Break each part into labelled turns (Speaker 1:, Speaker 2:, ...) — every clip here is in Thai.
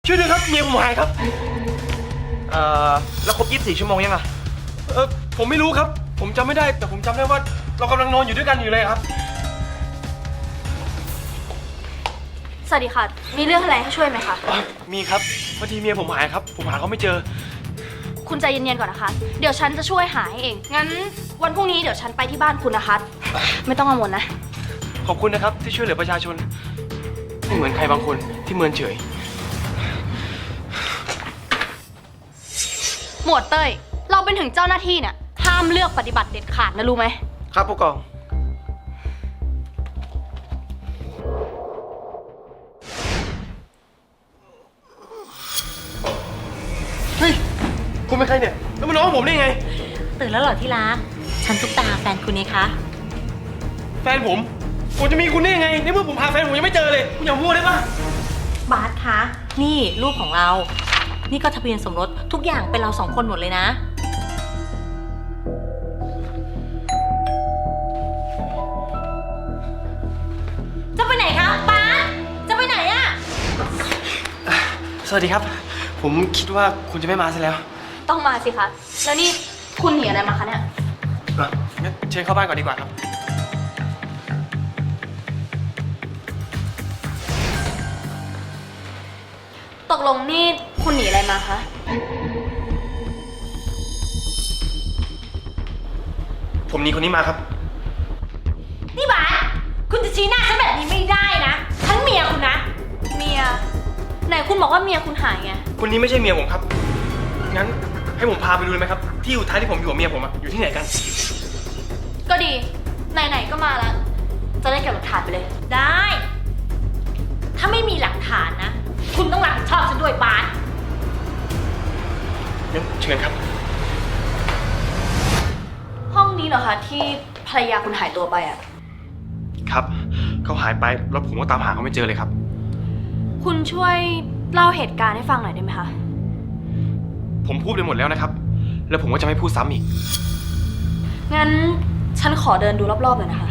Speaker 1: ช่วยด้วยครับเมียผมหายครับแล้วครบ24 ชั่วโมงยังอะผมไม่รู้ครับผมจำไม่ได้แต่ผมจำได้ว่าเรากำลังนอนอยู่ด้วยกันอยู่เลยครับ
Speaker 2: สวัสดีค่ะมีเรื่องอะไรให้ช่วยไหมคะ
Speaker 1: มีครับพอดีเมียผมหายครับผมหาเขาไม่เจอ
Speaker 2: คุณใจเย็นๆก่อนนะคะเดี๋ยวฉันจะช่วยหาให้เองงั้นวันพรุ่งนี้เดี๋ยวฉันไปที่บ้านคุณนะคะไม่ต้องกังวลนะ
Speaker 1: ขอบคุณนะครับที่ช่วยเหลือประชาชนไม่เหมือนใครบางคนที่เมินเฉย
Speaker 2: หมวดเต้ยเราเป็นถึงเจ้าหน้าที่เนี่ยห้ามเลือกปฏิบัติเด็ดขาดนะรู้ไหม
Speaker 1: ครับผู้กองเฮ้ยคุณเป็นใครเนี่ยแล้วมาน้องผมได้ไง
Speaker 3: ตื่นแล้วเหรอที่รักฉันตุ๊กตาแฟนคุณนี่คะ
Speaker 1: แฟนผมจะมีคุณได้ยังไงในเมื่อผมหาแฟนผมยังไม่เจอเลยคุณอย่าพูดได้ปะ
Speaker 3: บาสคะนี่รูปของเรานี่ก็ทะเบียนสมรสทุกอย่างเป็นเรา2 คนหมดเลยนะจะไปไหนคะบาสจะไปไหนอะ
Speaker 1: สวัสดีครับผมคิดว่าคุณจะไม่มาซะแล้ว
Speaker 2: ต้องมาสิคะแล้วนี่คุณหนีอะไรมาคะเนี่ย
Speaker 1: งั้นเชิญเข้าบ้านก่อนดีกว่าครับ
Speaker 2: ตกลงนี่คุณหนีอะไรมาคะ
Speaker 1: ผมหนีคนนี้มาครับ
Speaker 3: นี่บาสคุณจะชี้หน้าฉันแบบนี้ไม่ได้นะฉันเมียคุณนะ
Speaker 2: เมียไหนคุณบอกว่าเมียคุณหายไง
Speaker 1: คนนี้ไม่ใช่เมียผมครับงั้นให้ผมพาไปดูเลยไหมครับที่อยู่ท้ายที่ผมอยู่กับเมียผมอยู่ที่ไหนกัน
Speaker 2: ก็ดีไหนๆก็มาแล้วจะได้เก็บหลักฐานไปเลย
Speaker 3: ได้ถ้าไม่มีหลักฐานนะคุณต้องรับผิดชอบฉันด้วยบาส
Speaker 1: งั้นเชิญครับ
Speaker 2: ห้องนี้เหรอคะที่ภรรยาคุณหายตัวไปอ่ะ
Speaker 1: ครับเขาหายไปแล้วผมก็ตามหาเขาไม่เจอเลยครับ
Speaker 2: คุณช่วยเล่าเหตุการณ์ให้ฟังหน่อยได้ไหมคะ
Speaker 1: ผมพูดไปหมดแล้วนะครับแล้วผมก็จะไม่พูดซ้ำอีก
Speaker 2: งั้นฉันขอเดินดูรอบๆหน่อยนะคะ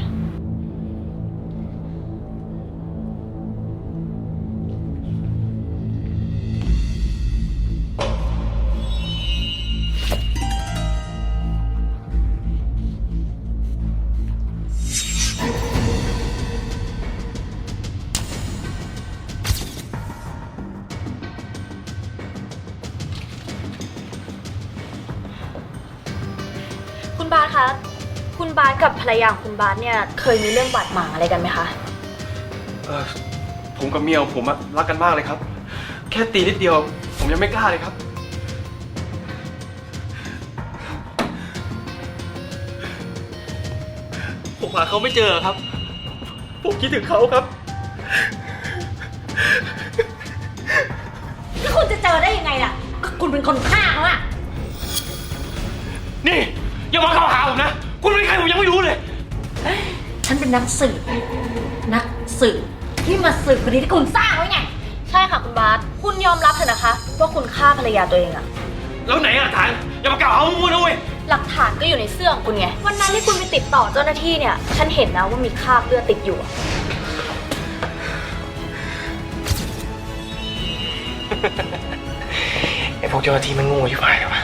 Speaker 2: คุณบาสคะคุณบาสกับภรรยาของคุณบาสเนี่ยเคยมีเรื่องบาดหมางอะไรกันไหมคะ
Speaker 1: ผมกับเมียผมรักกันมากเลยครับแค่ตีนิดเดียวผมยังไม่กล้าเลยครับผมหาเขาไม่เจอครับผมคิดถึงเขาครับ
Speaker 3: แล้วคุณจะเจอได้ยังไงล่ะก็คุณเป็นคนฆ่าเขาอะ
Speaker 1: นี่อย่ามาเข้าหาผมนะคุณเป็นใครผมยังไม่รู้เลย
Speaker 3: ฉันเป็นนักสืบที่มาสืบคดีที่คุณสร้างไว้ไง
Speaker 2: ใช่ค่ะคุณบาสคุณยอมรับเถอะนะคะว่าคุณฆ่าภรรยาตัวเองอะ
Speaker 1: แล้วไหนหลักฐานอย่ามากล่าวหามั่วนะเว้ย
Speaker 2: หลักฐานก็อยู่ในเสื้อของคุณไงวันนั้นที่คุณไปติดต่อเจ้าหน้าที่เนี่ยฉันเห็นนะว่ามีคราบเลือดติดอยู่
Speaker 1: ไอพวกเจ้าหน้าที่มันโง่ชิบหายเลยวะ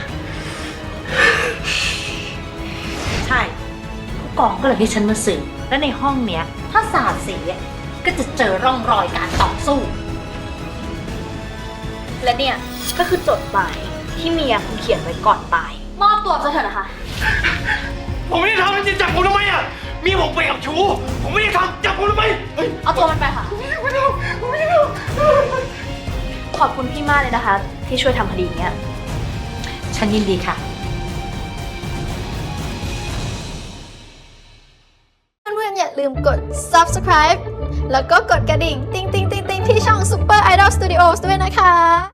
Speaker 3: ใช่ผู้กองก็เลยให้ฉันมาสืบและในห้องเนี้ยถ้าสาดสีก็จะเจอร่องรอยการต่อสู้
Speaker 2: และเนี่ยก็คือจดหมายที่เมียคุณเขียนไว้ก่อนตายมอบตัวซะเถอะนะคะ
Speaker 1: ผมไม่ได้ทำจะจับผมทำไมอ่ะเมียผมไปกับชู้ผมไม่ได้ทำจับผมทำไม
Speaker 2: เอาตัวมันไปค่ะขอบคุณพี่มากเลยนะคะที่ช่วยทำคดีเนี้ย
Speaker 3: ฉันยินดีค่ะ
Speaker 4: เพื่อนๆอย่าลืมกด subscribe แล้วก็กดกระดิ่งติ๊งๆๆๆที่ช่อง Super Idol Studios ด้วยนะคะ